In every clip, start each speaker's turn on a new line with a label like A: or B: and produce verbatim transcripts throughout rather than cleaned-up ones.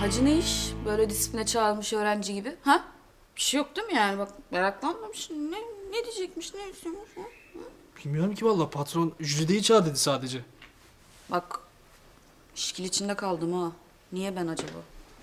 A: Hacı ne iş? Böyle disipline çağrılmış öğrenci gibi. Ha? Bir şey yok değil mi yani? Bak meraklanmamış. Ne, ne diyecekmiş, ne istiyormuş? Ha?
B: Bilmiyorum ki vallahi patron Jülide'yi çağır dedi sadece.
A: Bak işkil içinde kaldım ha. Niye ben acaba?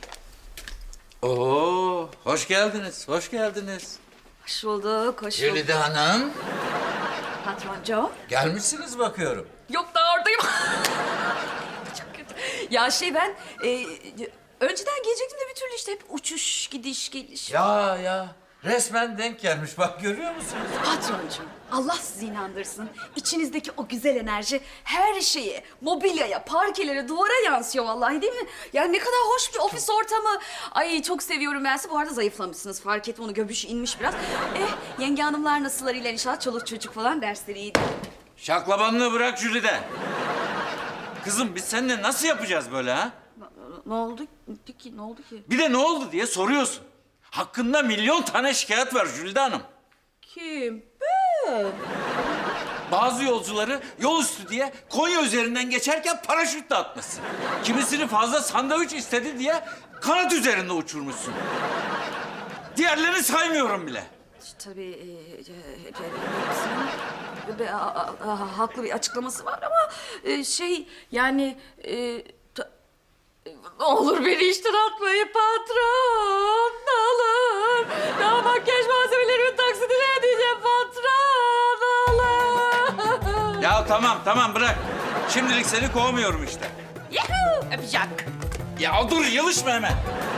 C: Oo, hoş geldiniz, hoş geldiniz.
A: Hoş bulduk, hoş bulduk.
C: Jülide Hanım,
A: Patroncu.
C: gelmişsiniz bakıyorum.
A: Yok daha oradayım. Çok kötü. Ya şey ben e, önceden gelecektim de bir türlü işte hep uçuş, gidiş, geliş.
C: Ya ya, resmen denk gelmiş. Bak görüyor musunuz?
A: Patroncuğum, Allah sizi inandırsın. İçinizdeki o güzel enerji her şeye, mobilyaya, parkelere, duvara yansıyor vallahi değil mi? Yani ne kadar hoş bir ofis ortamı. Ay çok seviyorum ben sizi. Bu arada zayıflamışsınız. Fark ettim onu, göbüş inmiş biraz. Eh, yenge hanımlar nasıllarıyla inşallah çoluk çocuk falan dersleri iyiydi.
C: Şaklabanlığı bırak Jülide. Kızım biz seninle nasıl yapacağız böyle ha?
A: Ne oldu ki? Ne oldu ki?
C: Bir de ne oldu diye soruyorsun. Hakkında milyon tane şikayet var Jülide Hanım.
A: Kim? Ben.
C: Bazı yolcuları yol üstü diye Konya üzerinden geçerken paraşütle atmışsın. Kimisini fazla sandviç istedi diye kanat üzerinde uçurmuşsun. Diğerlerini saymıyorum bile.
A: Tabii e, e, e, hepsinin be- a- a- a- haklı bir açıklaması var ama e, şey yani e, ta- e, ne olur beni işten atmayın patron, ne olur. Daha makyaj malzemelerimin taksidini ödeyeceğim patron, ne olur.
C: Ya tamam tamam bırak. Şimdilik seni kovmuyorum işte.
A: Yuhuu, öpeceğim.
C: Ya dur yılışma hemen.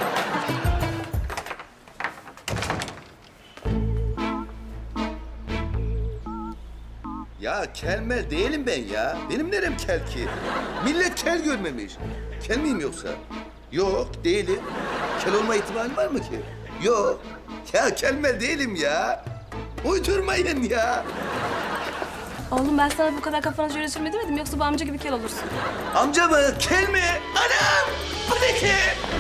D: Ya kelmel değilim ben ya. Benim nerem kel ki? Millet kel görmemiş. Kel miyim yoksa? Yok, değilim. Kel olma ihtimali var mı ki? Yok. Ya kelmel değilim ya. Uydurmayın ya.
E: Oğlum ben sana bu kadar kafana şöyle sürme demedim yoksa bu amca gibi kel olursun.
D: Amca mı? Kel mi? Anam! Bu ne ki?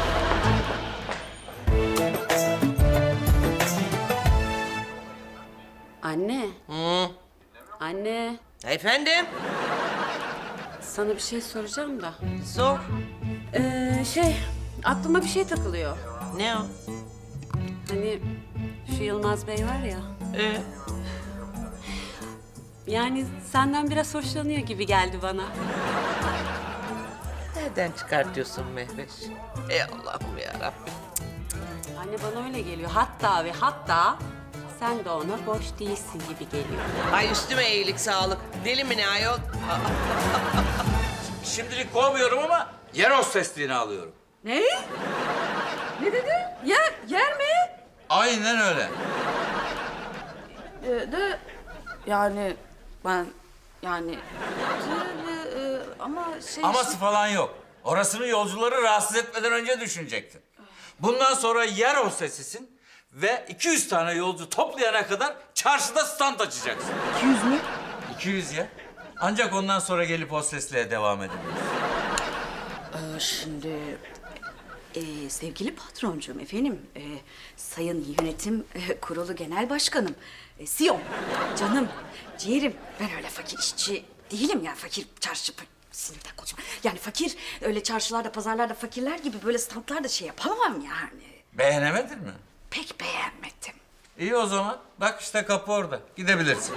E: Anne. Anne.
F: Efendim?
E: Sana bir şey soracağım da.
F: Sor.
E: Ee, şey aklıma bir şey takılıyor.
F: Ne o?
E: Hani şu Yılmaz Bey var ya.
F: Ee?
E: Yani senden biraz hoşlanıyor gibi geldi bana.
F: Nereden çıkartıyorsun Mehveş? Ey Allah'ım ya Rabbim.
E: Anne bana öyle geliyor. Hatta ve hatta sen de ona boş değilsin gibi geliyor.
F: Ay üstüme iyilik sağlık. Deli mi ne ayol?
C: Şimdilik kovmuyorum ama yer hostesliğini alıyorum.
A: Ne? Ne dedi? Yer, yer mi?
C: Aynen öyle.
A: Ee, de yani ben yani de, de, e, ama şey
C: Aması falan yok. Orasını yolcuları rahatsız etmeden önce düşünecektin. Bundan sonra yer hostesisin ve iki yüz tane yolcu toplayana kadar çarşıda stand açacaksın.
A: iki yüz mü?
C: iki yüz ya. Ancak ondan sonra gelip hostesliğe devam edebilirsin.
A: Ee, şimdi e, sevgili patroncuğum efendim, e, sayın yönetim e, kurulu genel başkanım, e, C E O'm, canım, ciğerim. Ben öyle fakir işçi değilim ya, fakir çarşı sinirden konuşma. Yani fakir öyle çarşılarda, pazarlarda fakirler gibi böyle standlarda şey yapamam yani.
C: Beğenemedin mi?
A: Pek beğenmedim.
C: İyi o zaman. Bak işte kapı orada. Gidebilirsin.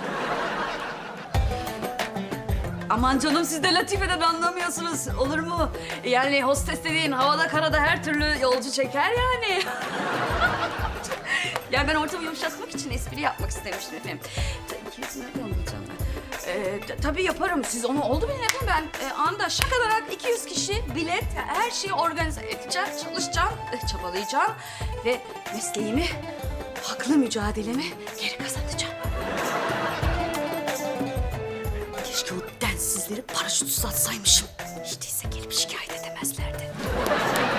A: Aman canım siz de latifeden anlamıyorsunuz. Olur mu? Yani hostes dediğin havada karada her türlü yolcu çeker yani. Yani ben ortamı yumuşatmak için espri yapmak istemiştim efendim. iki yüz lira yollayacağım ben. Ee, t- tabii yaparım. Siz onu oldu bilin efendim. Ben e, anda şakalarak iki yüz kişi bilet, her şeyi organize edeceğim, çalışacağım, e, çabalayacağım ve mesleğimi, haklı mücadelemi geri kazanacağım. Keşke o densizleri paraşütsüz atsaymışım. Hiç değilse gelip şikayet edemezlerdi.